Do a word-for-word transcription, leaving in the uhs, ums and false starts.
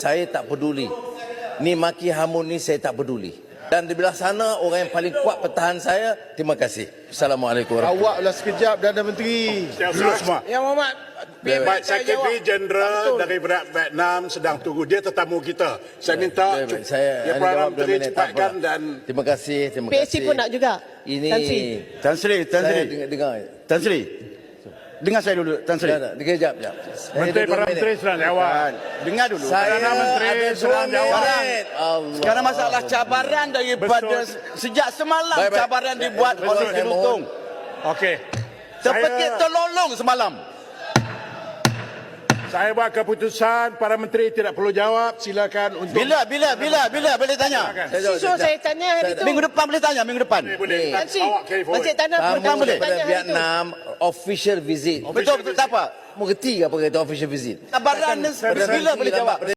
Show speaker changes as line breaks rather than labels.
Saya tak peduli. Ni maki hamun ni saya tak peduli. Dan di belah sana orang yang paling kuat pertahanan saya. Terima kasih. Assalamualaikum warahmatullahi wabarakatuh.
Awaklah sekejap, Perdana Menteri.
Duduk semua.
Yang Muhammad, biar
Baik,
saya
Sekretari
jawab.
Jeneral
Betul.
dari Vietnam sedang tunggu. Dia tetamu kita. Saya minta
Baik, baik. Saya
ya,
ada
Perdana
jawab dua
Menteri
minit, tak
cepatkan
apa.
dan
Terima kasih, terima
P S C
kasih.
pun nak juga.
Ini
Tan Sri.
Tan Sri, Tan
saya
Sri.
dengar, dengar.
Tan Sri. Dengar saya dulu, Tan Sri.
Tak, tak, dengar jap, jap. Saya
Menteri
ada dua
Perdana
minit.
Menteri sedang jawab.
Kan, dengar dulu.
Saya
Perdana Menteri
ada dua
sedang jawab.
minit. Allah.
Sekarang masalah cabaran daripada
Betul.
sejak semalam
Baik, baik.
cabaran
Saya-
dibuat
betul,
oleh
saya
Jelutong.
Okey.
Seperti
Saya-
terlolong semalam.
Saya buat keputusan para menteri tidak perlu jawab. Silakan untuk
Bila, bila, bila, bila boleh tanya?
Silakan.
Saya jawab,
So
sekejap.
saya tanya hari
Saya-
tu.
Minggu depan boleh tanya, minggu depan.
Boleh, boleh.
Ni.
Tan Sri,
Awak carry forward.
Encik Tanah
Tamu
Pertama boleh
daripada
tanya hari tu.
Vietnam, official visit.
Betul, betul, tak apa.
Mengerti ke apa kata official visit?
Cabaran
Takkan
bila
berhenti
boleh
lambat
jawab?